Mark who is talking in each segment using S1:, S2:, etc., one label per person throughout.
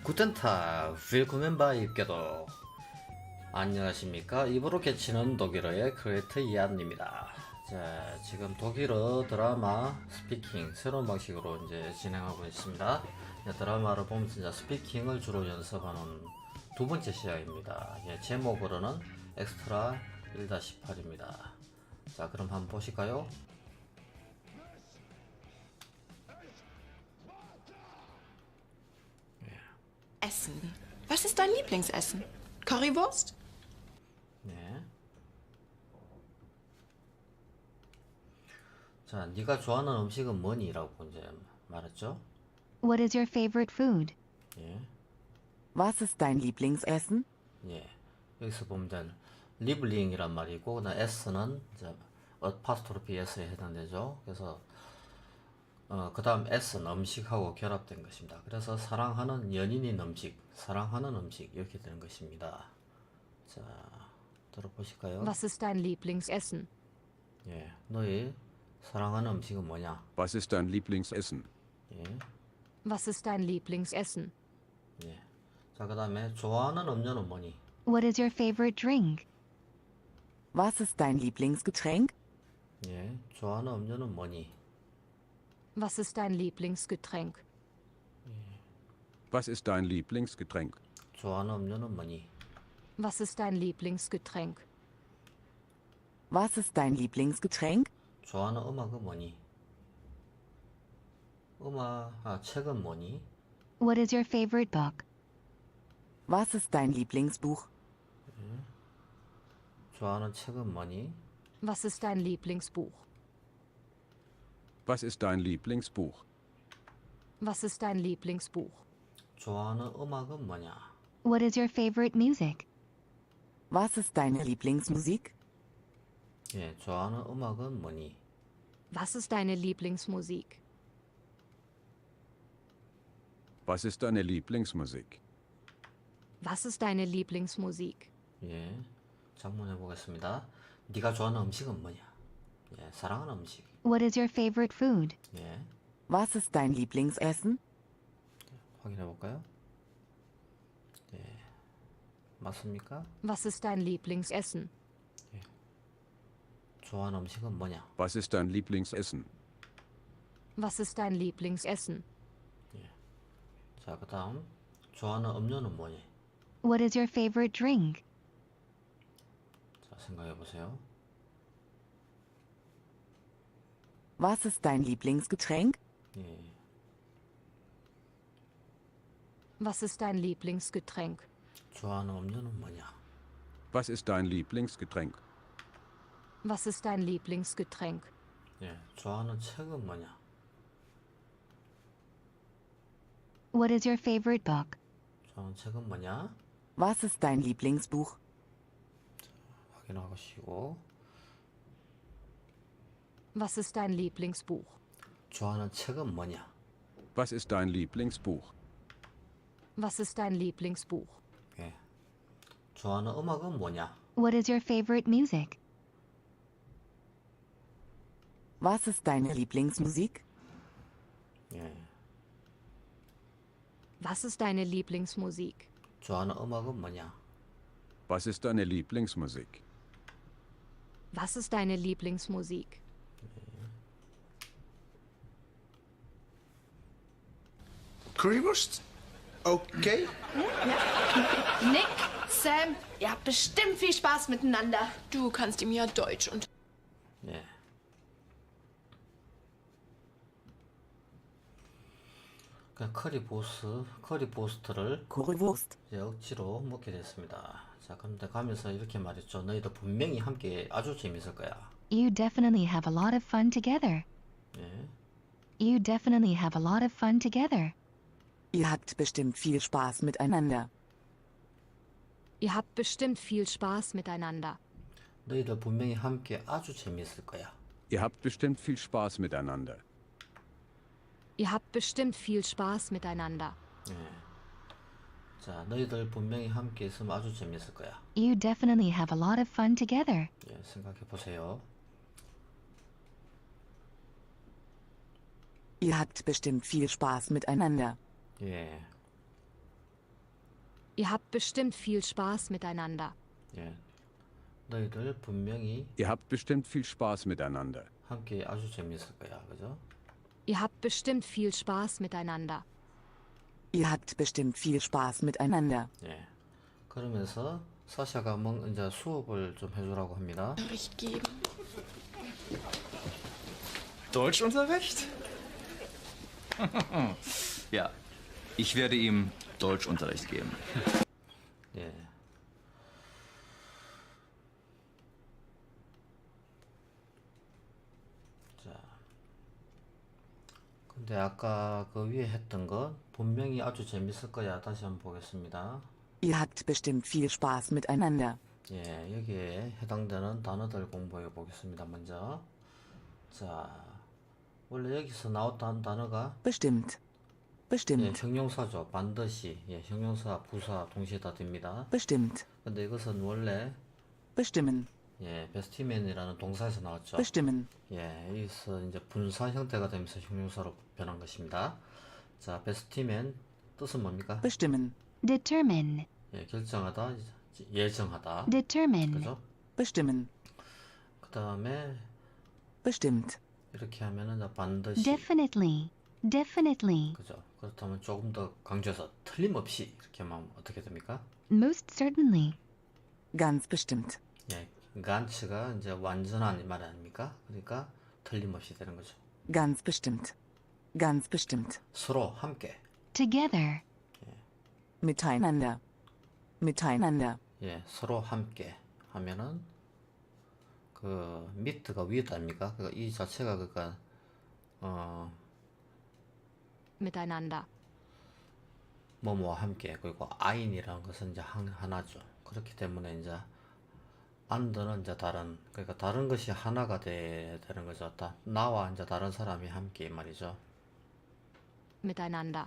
S1: Guten Tag, willkommen bei 입게도. 안녕하십니까? 입으로 개치는 독일어의 크리에이터 이안입니다. 자, 지금 독일어 드라마 스피킹 새로운 방식으로 이제 진행하고 있습니다. 드라마를 보면서 이제 스피킹을 주로 연습하는 두 번째 시간입니다. 제목으로는 엑스트라 1-8입니다. 자, 그럼 한번 보실까요?
S2: Essen. Was ist dein Lieblingsessen? Currywurst?
S1: 네. 자, 네가 좋아하는 음식은 뭐니? 라고 이제 말했죠.
S3: What is your favorite food?
S1: 예.
S4: Was ist dein Lieblingsessen?
S1: 예. 여기서 보면 이제 리블링이란 말이고, 그다음 S는 이제 어파스트로피 S에 해당되죠. 그래서 그 다음 S는 음식하고 결합된 것입니다. 그래서 사랑하는 연인인 음식, 사랑하는 음식 이렇게 되는 것입니다. 자, 들어보실까요?
S3: Was ist dein Lieblingsessen?
S1: 예, 너희 사랑하는 음식은 뭐냐?
S5: Was ist dein Lieblingsessen?
S1: 예,
S3: Was ist dein Lieblingsessen?
S1: 예. 자, 그 다음에 좋아하는 음료는 뭐니?
S3: What is your favorite drink?
S4: Was ist dein Lieblingsgetränk?
S1: 예, 좋아하는 음료는 뭐니?
S3: Was ist dein Lieblingsgetränk?
S5: Was ist dein Lieblingsgetränk?
S1: 좋아하는 음료는 뭐니?
S3: Was ist dein Lieblingsgetränk?
S4: Was ist dein Lieblingsgetränk?
S1: 좋아하는 음악은 뭐니? 책은 뭐니?
S3: What is your favorite book?
S4: Was ist dein Lieblingsbuch?
S1: 좋아하는 책은 뭐니?
S3: Was ist dein Lieblingsbuch?
S5: Was ist dein Lieblingsbuch?
S3: Was ist dein Lieblingsbuch?
S1: 좋아하는 음악은 뭐냐?
S3: What is your favorite music?
S4: Was ist deine Lieblingsmusik?
S1: 예, 좋아하는 음악은 뭐니?
S3: Was ist deine Lieblingsmusik?
S5: Was ist deine Lieblingsmusik?
S3: Was ist deine Lieblingsmusik?
S1: 예, 작문해 보겠습니다. 네가 좋아하는 음식은 뭐냐? 예, 사랑하는 음식.
S3: What is your favorite food?
S1: 예,
S4: Was ist dein Lieblingsessen?
S1: 확인해 볼까요? 예, 맞습니까?
S3: Was ist dein Lieblingsessen?
S1: 좋아하는 음식은 뭐냐?
S5: Was ist dein Lieblingsessen?
S3: Was ist dein Lieblingsessen?
S1: 자, 그 다음 좋아하는 음료는 뭐니?
S3: What is your favorite drink?
S1: 자, 생각해 보세요.
S4: Was ist dein Lieblingsgetränk?
S1: 예,
S3: Was ist dein Lieblingsgetränk?
S1: 좋아하는 음료는 뭐냐?
S5: Was ist dein Lieblingsgetränk?
S3: Was ist dein Lieblingsgetränk?
S1: 예, 좋아하는 책은 뭐냐?
S3: What is your favorite book?
S1: 좋아하는 책은 뭐냐?
S4: Was ist dein Lieblingsbuch?
S1: 확인하시고
S3: Was ist dein Lieblingsbuch?
S1: 좋아하는 책은 뭐냐?
S5: Was ist dein Lieblingsbuch?
S3: Was ist dein Lieblingsbuch?
S1: 예, 좋아하는 음악은 뭐냐?
S3: What is your favorite music?
S4: Was ist deine Lieblingsmusik?
S1: 예,
S3: Was ist deine Lieblingsmusik?
S1: 좋아하는 음악은 뭐냐?
S5: Was ist deine Lieblingsmusik?
S3: Was ist deine Lieblingsmusik?
S6: Currywurst? Okay.
S2: Nick, Sam, ihr habt bestimmt viel Spaß miteinander. Du kannst ihm ja Deutsch und...
S1: 예. 그냥 커리보스트를
S4: Currywurst.
S1: 이제 억지로 먹게 됐습니다. 자, 그런데 가면서 이렇게 말했죠. 너희들 분명히 함께 아주 재밌을 거야.
S3: You definitely have a lot of fun together.
S1: 예.
S3: You definitely have a lot of fun together.
S4: Ihr habt bestimmt viel Spaß miteinander.
S3: Ihr habt bestimmt viel Spaß miteinander.
S1: 너희들 분명히 함께 아주 재밌을 거야.
S5: Ihr habt bestimmt viel Spaß miteinander.
S3: Ihr habt bestimmt viel Spaß miteinander.
S1: 예. 자, 너희들 분명히 함께 있으면 아주 재밌을 거야.
S3: You definitely have a lot of fun together.
S1: 예, 생각해 보세요.
S4: Ihr habt bestimmt viel Spaß miteinander.
S1: 예.
S3: Ihr habt bestimmt viel Spaß miteinander.
S1: 예. 너희들 분명히
S5: Ihr habt bestimmt viel Spaß miteinander.
S1: 함께 아주 재밌을 거야. 그죠?
S3: Ihr habt bestimmt viel Spaß miteinander.
S4: Ihr habt bestimmt viel Spaß miteinander.
S1: 예. 그러면서 사샤가 이제 수업을 좀 해주라고 합니다.
S2: Unterricht geben.
S7: Deutschunterricht? Ja, ich werde ihm Deutschunterricht geben.
S1: 예. 자. 근데 아까 그 위에 했던 거 분명히 아주 재밌을 거야. 다시 한번 보겠습니다.
S4: Ihr habt bestimmt viel Spaß miteinander.
S1: 예, 여기에 해당되는 단어들 공부해 보겠습니다. 먼저. 자. 원래 여기서 나왔던 단어가
S4: Bestimmt.
S1: 예,
S4: Bestimmt.
S1: 형용사죠. 반드시. 예, 형용사, 부사 동시에 다 됩니다.
S4: Bestimmt.
S1: 근데 이것은 원래
S4: Bestimmen.
S1: 예, 베스티맨이라는 동사에서 나왔죠.
S4: Bestimmen.
S1: 예, 여기서 이제 분사 형태가 되면서 형용사로 변한 것입니다. 자, 베스티맨 뜻은 뭡니까?
S4: Bestimmen.
S8: Determine.
S1: 예, 결정하다, 예정하다.
S8: Determine.
S1: 그죠?
S4: Bestimmen.
S1: 그 다음에
S4: Bestimmt.
S1: 이렇게 하면은 이제 반드시.
S8: Definitely. Definitely.
S1: 그죠? 그렇다면 조금 더 강조해서 틀림없이 이렇게 하면 어떻게 됩니까?
S8: Most certainly.
S4: Ganz bestimmt.
S1: 예, 간츠가 이제 완전한 말 아닙니까? 그러니까 틀림없이 되는 거죠.
S4: Ganz bestimmt. Ganz bestimmt.
S1: 서로 함께.
S8: Together.
S4: Miteinander. Miteinander.
S1: 예, 서로 함께 하면은 그 미트가 위에다 아닙니까? 그러니까 이 자체가 그러니까
S3: Miteinander.
S1: 뭐뭐와 함께 그리고 아인이라는 것은 이제 하나죠. 그렇기 때문에 이제 안드는 이제 다른 그러니까 다른 것이 하나가 되는 거죠. 나와 이제 다른 사람이 함께 말이죠.
S3: Miteinander.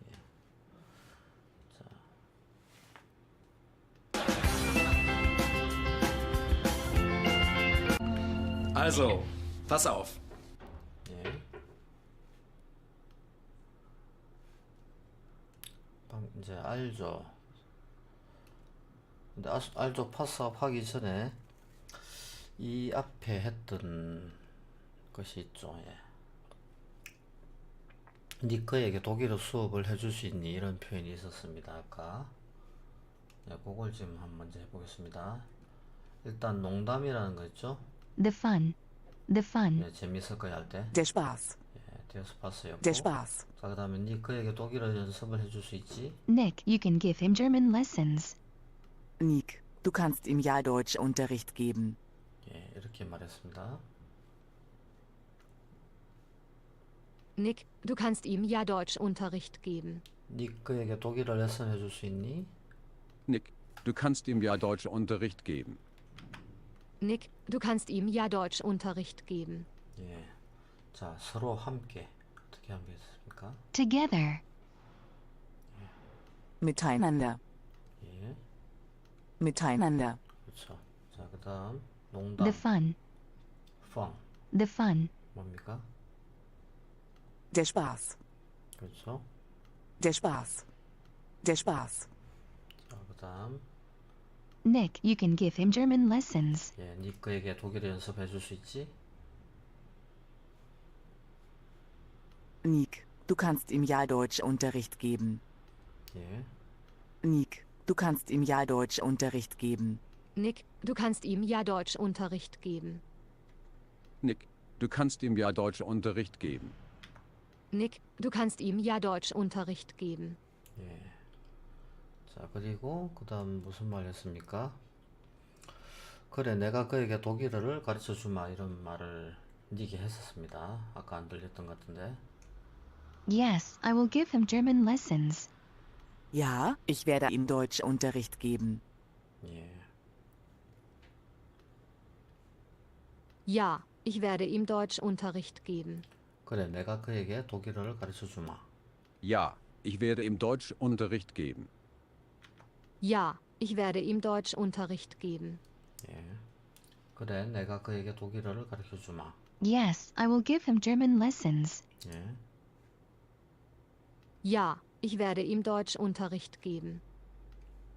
S7: Also, pass auf.
S1: 예. 이제 알죠. 근데 알죠 파스업 하기 전에 이 앞에 했던 것이 있죠. 예. 니꺼에게 독일어 수업을 해줄 수 있니? 이런 표현이 있었습니다. 아까. 예, 그걸 지금 한번 먼저 해보겠습니다. 일단 농담이라는 거 있죠?
S8: The fun. The fun.
S1: 예, 재밌을 거야 할 때.
S4: Der Spaß.
S1: 예, 디어스파스였고.
S4: Der Spaß.
S1: 자, 그 다음에 니꺼에게 독일어 연습을 해줄 수 있지?
S8: Nick, you can give him German lessons.
S4: Nick, du kannst ihm ja Deutschunterricht geben.
S1: 예, 이렇게 말했습니다.
S3: Nick, du kannst ihm ja Deutschunterricht geben.
S1: 니꺼에게 독일어 레슨 해줄 수 있니?
S5: Nick, du kannst ihm ja Deutschunterricht geben.
S3: Nick, du kannst ihm ja Deutschunterricht geben.
S1: 예. 자, 서로 함께 어떻게 하겠습니까?
S8: Together.
S4: Miteinander.
S1: 예,
S4: Miteinander.
S1: 그렇죠. 자, 그다음
S8: The
S1: 농담,
S8: fun.
S1: 펑
S8: The fun.
S1: 뭡니까?
S4: Der Spaß.
S1: 그렇죠.
S4: Der Spaß. Der Spaß.
S1: 자, 그다음
S8: Nick, you can give him German lessons.
S1: 예, 니꺼에게 독일어 연습해줄 수 있지?
S4: Nick, du kannst ihm ja Deutschunterricht geben.
S1: 예,
S4: Nick, du kannst ihm ja Deutschunterricht geben.
S3: Nick, du kannst ihm ja Deutschunterricht geben.
S5: Nick, du kannst ihm ja Deutschunterricht geben.
S3: Nick, du kannst ihm ja Deutschunterricht geben.
S1: 예. 자, 그리고 그다음 무슨 말 했습니까? 그래, 내가 그에게 독일어를 가르쳐 주마 이런 말을 니게 했었습니다. 아까 안 들렸던 것 같은데.
S8: Yes, I will give him German lessons.
S4: Ja, ich werde ihm Deutschunterricht geben.
S1: 예.
S3: Ja, ich werde ihm Deutschunterricht geben.
S1: 그래, 내가 그에게 독일어를 가르쳐 주마.
S5: Ja, ich werde ihm Deutschunterricht geben.
S3: Ja, ich werde ihm Deutschunterricht geben.
S1: 예. 그래, 내가 그에게 독일어를 가르쳐 주마.
S8: Yes, I will give him German lessons.
S1: 예.
S3: Ja, ich werde ihm Deutschunterricht geben.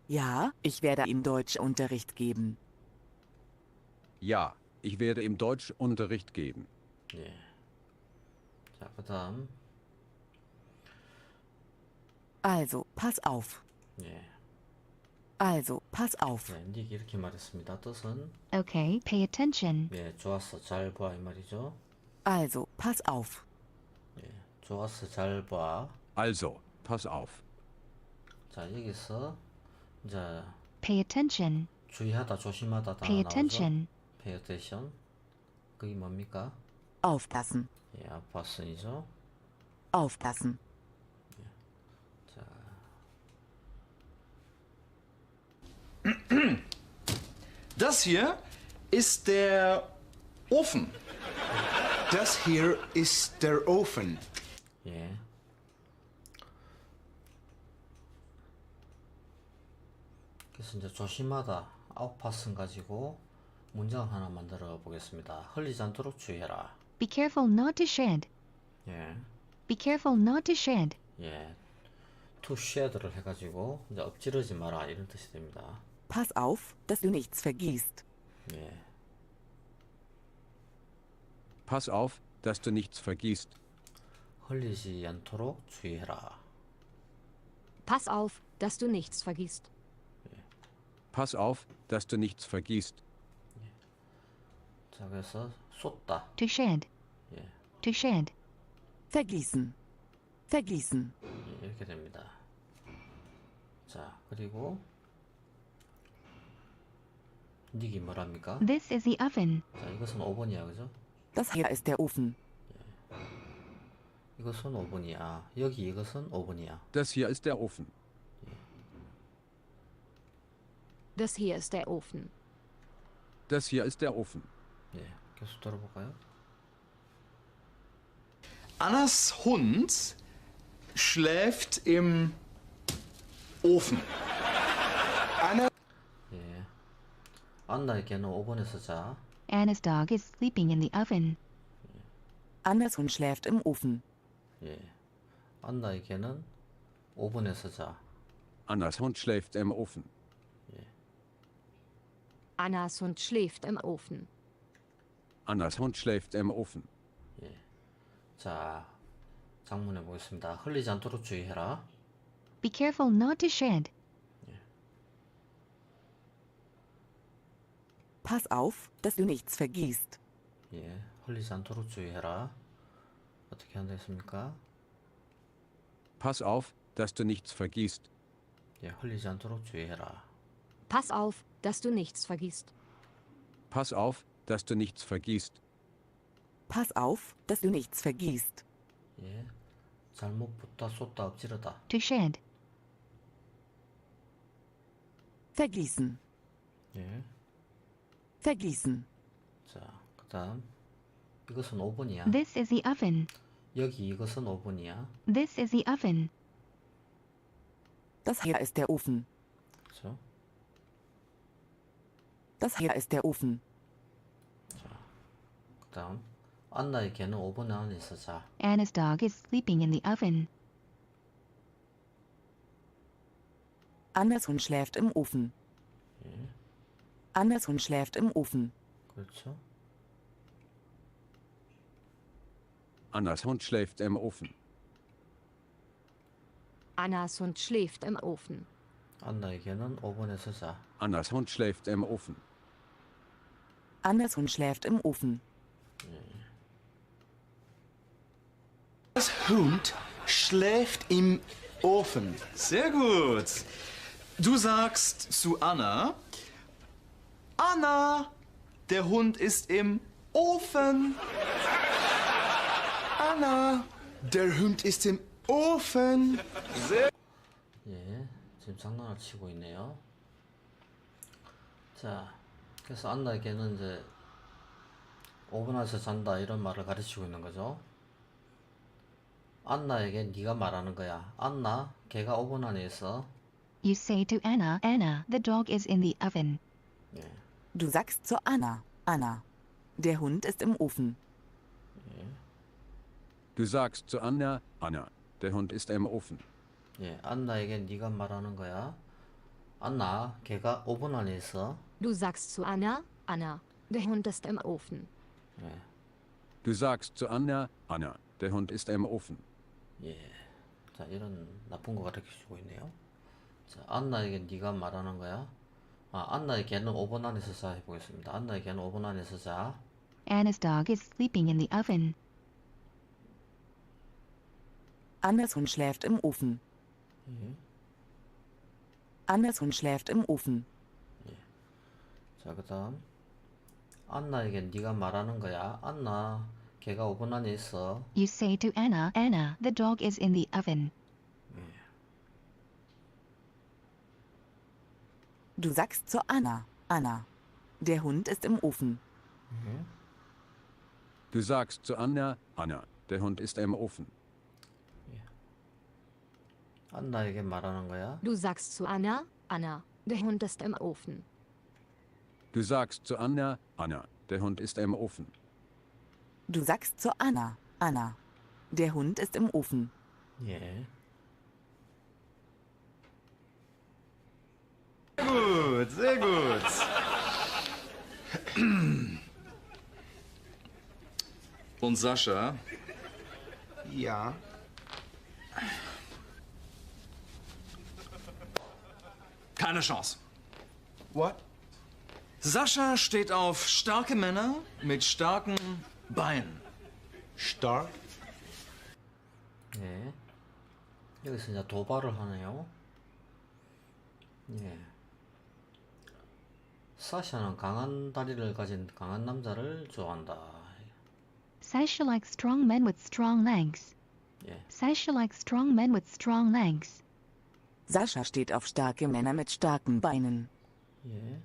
S4: Ja, ich werde ihm Deutschunterricht geben.
S5: Ja, ich werde ihm Deutschunterricht geben.
S1: 예. 자, 그 다음.
S4: Also, pass auf.
S1: 예.
S4: Also, pass auf.
S1: 네, 닉이 이렇게 말했습니다. 뜻은
S8: Okay, pay attention.
S1: 예, 좋았어, 잘 봐 이 말이죠.
S4: Also, pass auf.
S1: 예, 좋았어, 잘 봐.
S5: Also, pass auf.
S1: 자, 여기서 이제
S8: Pay attention.
S1: 주의하다, 조심하다 다
S8: Pay
S1: 나오죠.
S8: attention.
S1: Pay attention. 그게 뭡니까?
S4: Aufpassen.
S1: 예, 아파슨이죠.
S4: Aufpassen.
S1: 자,
S6: Das hier ist der Ofen. Das hier ist der Ofen.
S1: 예. 그래서 이제 조심하다, 아웃파슨 가지고 문장 하나 만들어 보겠습니다. 흘리지 않도록 주의해라.
S8: Be careful not to shed.
S1: 예,
S8: Be careful not to shed.
S1: 예. to shed를 해가지고 이제 엎지르지 마라 이런 뜻이 됩니다.
S4: Pass auf, dass du nichts vergisst.
S1: 예,
S5: Pass auf, dass du nichts vergisst.
S1: 흘리지 않도록 주의해라.
S3: Pass auf, dass du nichts vergisst.
S5: Pass auf, dass du nichts vergisst.
S1: 자, 그래서 쏟다.
S8: To shed.
S1: 예,
S8: To shed.
S4: Vergießen. Vergießen.
S1: 예, 이렇게 됩니다. 자, 그리고 닉이 뭐랍니까?
S8: This is the oven.
S1: 자, 이것은 5번이야, 그죠?
S4: Das hier ist der Ofen.
S1: 이것은 5번이야. 여기 이것은 5번이야.
S5: Das hier ist der Ofen.
S3: Das hier ist der Ofen.
S5: Das hier ist der Ofen.
S1: 예, 계속 들어볼까요?
S6: Annas Hund schläft im Ofen. Anna
S1: 예, 안나의 개는 5번에서 자.
S8: Anna's dog is sleeping in the oven.
S4: Annas Hund schläft im Ofen.
S1: 예, 안나의 개는 5번에서 자.
S5: Annas Hund schläft im Ofen.
S3: Annas Hund schläft im Ofen.
S5: Annas Hund schläft im Ofen.
S1: 예, 자, 장문해 보겠습니다. 흘리지 않도록 주의해라.
S8: Be careful not to shed.
S4: Pass auf, dass du nichts vergisst.
S1: 예, 흘리지 않도록 주의해라. 어떻게 하면 되겠습니까?
S5: Pass auf, dass du nichts vergisst.
S1: 예, 흘리지 않도록 주의해라.
S3: Pass auf, dass du nichts vergisst.
S5: Pass auf, dass du nichts vergisst.
S4: Pass auf, dass du nichts vergisst.
S1: 예, 잘못 붙다, 쏟다, 엎지르다.
S8: To shed.
S4: Vergießen.
S1: 예,
S4: Vergießen.
S1: 자, 그 다음 이것은 5번이야.
S8: This is the oven.
S1: 여기 이것은 5번이야.
S8: This is the oven.
S4: Das hier ist der Ofen.
S1: 그렇죠?
S4: Das hier ist der Ofen.
S1: 그 다음 안나의 개는 5번 안에 있어 자.
S8: Anna's dog is sleeping in the oven.
S4: Annas Hund schläft im Ofen. Annas Hund schläft im Ofen.
S1: 그렇죠?
S5: Annas Hund schläft im Ofen.
S3: Annas Hund schläft im Ofen.
S1: 안나의 개는 5번에서 자.
S5: Annas Hund schläft im Ofen.
S4: Annas Hund schläft im Ofen.
S6: Das Hund schläft im Ofen. Sehr gut. Du sagst zu Anna, Anna, der Hund ist im Ofen. Anna, der Hund ist im Ofen.
S1: 예, 지금 장난을 치고 있네요. 자, 그래서 안나의 개는 이제 5번 안에서 잔다 이런 말을 가르치고 있는 거죠. 안나에게 네가 말하는 거야. 안나, 걔가 5번 안에 있어.
S8: You say to Anna, Anna, the dog is in the oven.
S1: 예,
S4: Du sagst zu Anna, Anna, der Hund ist im Ofen.
S5: Du sagst zu Anna, Anna, der Hund ist im Ofen.
S1: 예, 안나에게 네가 말하는 거야. 안나, 걔가 오븐 안에 있어.
S3: Du sagst zu Anna, Anna, der Hund ist im Ofen.
S1: 예,
S5: Du sagst zu Anna, Anna, der Hund ist im Ofen.
S1: 예. 자, 이런 나쁜 거 가르쳐주고 있네요. 자, 안나에게 네가 말하는 거야. 안나의 개는 오븐 안에서 자 해보겠습니다. 안나의 개는 오븐 안에서 자.
S8: Anna's dog is sleeping in the oven.
S4: Annas Hund schläft im Ofen. Annas Hund schläft im Ofen.
S1: 자, 그다음 안나에게 네가 말하는 거야. 안나, 걔가 오븐 안에 있어.
S8: You say to Anna, Anna, the dog is in the oven.
S4: Du sagst zu Anna, Anna, der Hund ist im Ofen.
S5: Du sagst zu Anna, Anna, der Hund ist im Ofen.
S1: 안나에게 말하는 거야.
S3: Du sagst zu Anna, Anna, der Hund ist im Ofen.
S5: Du sagst zu Anna, Anna, der Hund ist im Ofen.
S4: Du sagst zu Anna, Anna, der Hund ist im Ofen.
S1: 예.
S6: Gut, sehr gut.
S7: Und Sascha?
S6: Ja.
S7: Keine Chance.
S6: What?
S7: Sascha steht auf starke Männer mit starken Beinen.
S6: Stark?
S1: 예. 여기서 이제 도발을 하네요. 예. 사샤는 강한 다리를 가진 강한 남자를 좋아한다.
S8: Sasha likes strong men with strong legs.
S1: 예.
S8: Sasha likes strong men with strong legs.
S4: Sascha steht auf starke Männer mit starken Beinen.
S1: 예.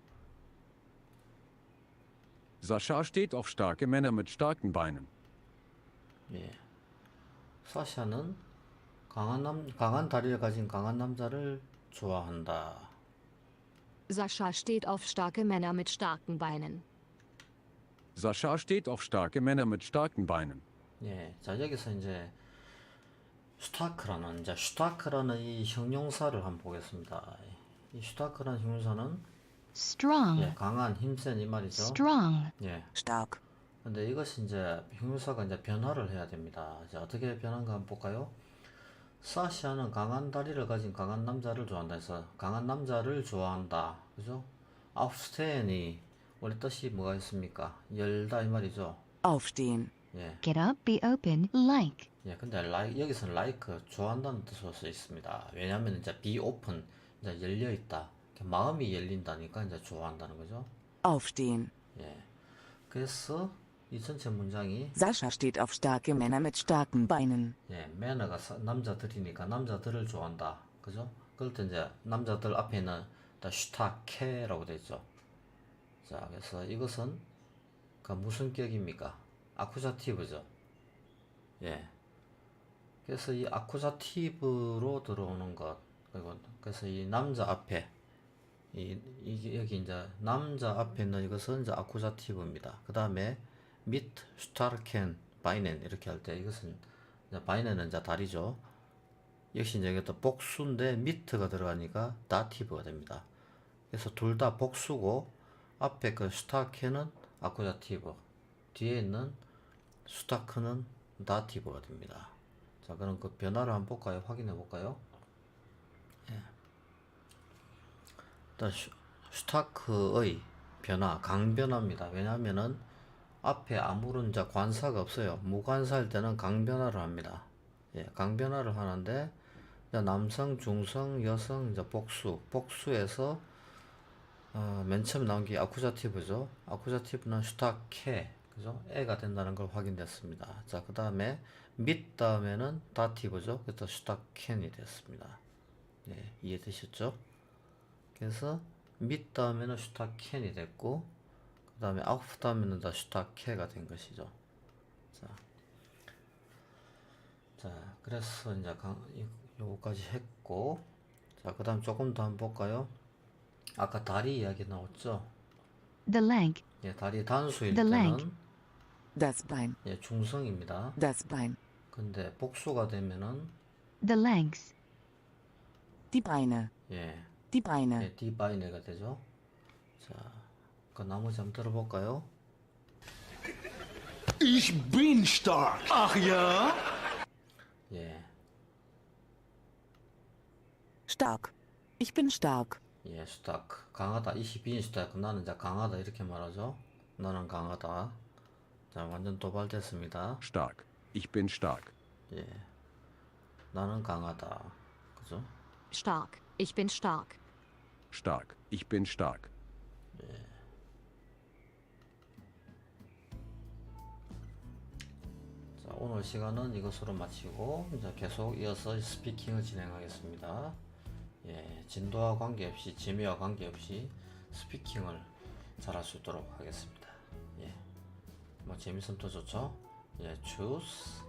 S5: Sascha steht auf starke Männer mit starken Beinen.
S1: 예. 사샤는 강한 다리를 가진 강한 남자를 좋아한다.
S3: Sascha steht auf starke Männer mit starken Beinen.
S5: Sascha steht auf starke Männer mit starken Beinen.
S1: 예. 자, 여기서 이제 슈타크라는 이 형용사를 한번 보겠습니다. 이 슈타크라는 형용사는
S8: Strong.
S1: 예, 강한, 힘센 이 말이죠.
S8: Strong.
S1: 예.
S4: Stark.
S1: 근데 이것이 이제 형용사가 이제 변화를 해야 됩니다. 자, 어떻게 변한가 한번 볼까요? 사샤는 강한 다리를 가진 강한 남자를 좋아한다 해서 강한 남자를 좋아한다. 그죠? aufstehen이 원래 뜻이 뭐가 있습니까? 열다 이 말이죠.
S4: Aufstehen.
S1: 예.
S8: Get up, be open, like.
S1: 예, 근데 여기서는 like 좋아한다는 뜻으로 쓰여 있습니다. 왜냐하면 이제 be open 이제 열려 있다. 마음이 열린다니까 이제 좋아한다는 거죠.
S4: Aufstehen.
S1: 예. 그래서 이 전체 문장이
S4: Sascha steht auf starke Männer mit starken Beinen.
S1: 예, 매너가 남자들이니까 남자들을 좋아한다. 그죠? 그럴 때 이제 남자들 앞에는 다 슈타케라고 되어 있죠. 자, 그래서 이것은 그 무슨 격입니까? 아쿠자티브죠. 예. 그래서 이 아쿠자티브로 들어오는 것, 그리고 그래서 이 남자 앞에 이게 여기 이제 남자 앞에 있는 이것은 이제 아쿠자티브입니다. 그 다음에 mit starken Beinen 이렇게 할 때 이것은 이제 Beinen은 이제 다리죠. 역시 이제 이것도 복수인데 mit가 들어가니까 다티브가 됩니다. 그래서 둘 다 복수고 앞에 그 starken은 아쿠자티브, 뒤에 있는 스타크는 다티브가 됩니다. 자, 그럼 그 변화를 한번 볼까요? 확인해 볼까요? 예. 일단 슈타크의 변화, 강변화입니다. 왜냐하면은 앞에 아무런 이제 관사가 없어요. 무관사일 때는 강변화를 합니다. 예, 강변화를 하는데 이제 남성, 중성, 여성, 이제 복수에서 맨 처음 나온 게 아쿠자티브죠. 아쿠자티브는 슈타케, 그죠? 애가 된다는 걸 확인됐습니다. 자, 그 다음에 밑 다음에는 다티브죠. 그래서 슈타켄이 됐습니다. 예, 이해되셨죠? 그래서 밑 다음에는 슈타켄이 됐고, 그 다음에 아우프 다음에는 다 슈타케가 된 것이죠. 자, 그래서 이제 요거까지 했고, 자, 그 다음 조금 더 한번 볼까요? 아까 다리 이야기 나왔죠?
S8: The leg.
S1: 예, 다리 단수일
S8: The leg.
S1: 때는
S4: Das Bein.
S1: 예, 중성입니다.
S4: Das Bein.
S1: 근데 복수가 되면은
S8: The legs.
S4: Die Beine.
S1: 예,
S4: Die Beine.
S1: 예, 디바이네가 되죠. 자, 그 나머지 한번 들어볼까요?
S6: Ich bin stark.
S7: Ach ja?
S1: 예,
S4: Stark. Ich bin stark.
S1: 예, 스타크. 강하다. Ich bin stark. 나는 자 강하다 이렇게 말하죠. 나는 강하다. 자, 완전 도발됐습니다.
S5: Stark. Ich bin stark.
S1: 예, 나는 강하다. 그죠?
S3: Stark. Ich bin stark.
S5: Stark. Ich bin stark.
S1: 자, 오늘 시간은 이것으로 마치고 이제 계속 이어서 스피킹을 진행하겠습니다. 예, 진도와 관계없이 재미와 관계없이 스피킹을 잘할 수 있도록 하겠습니다. 예, 뭐 재밌으면 더 좋죠. 예, choose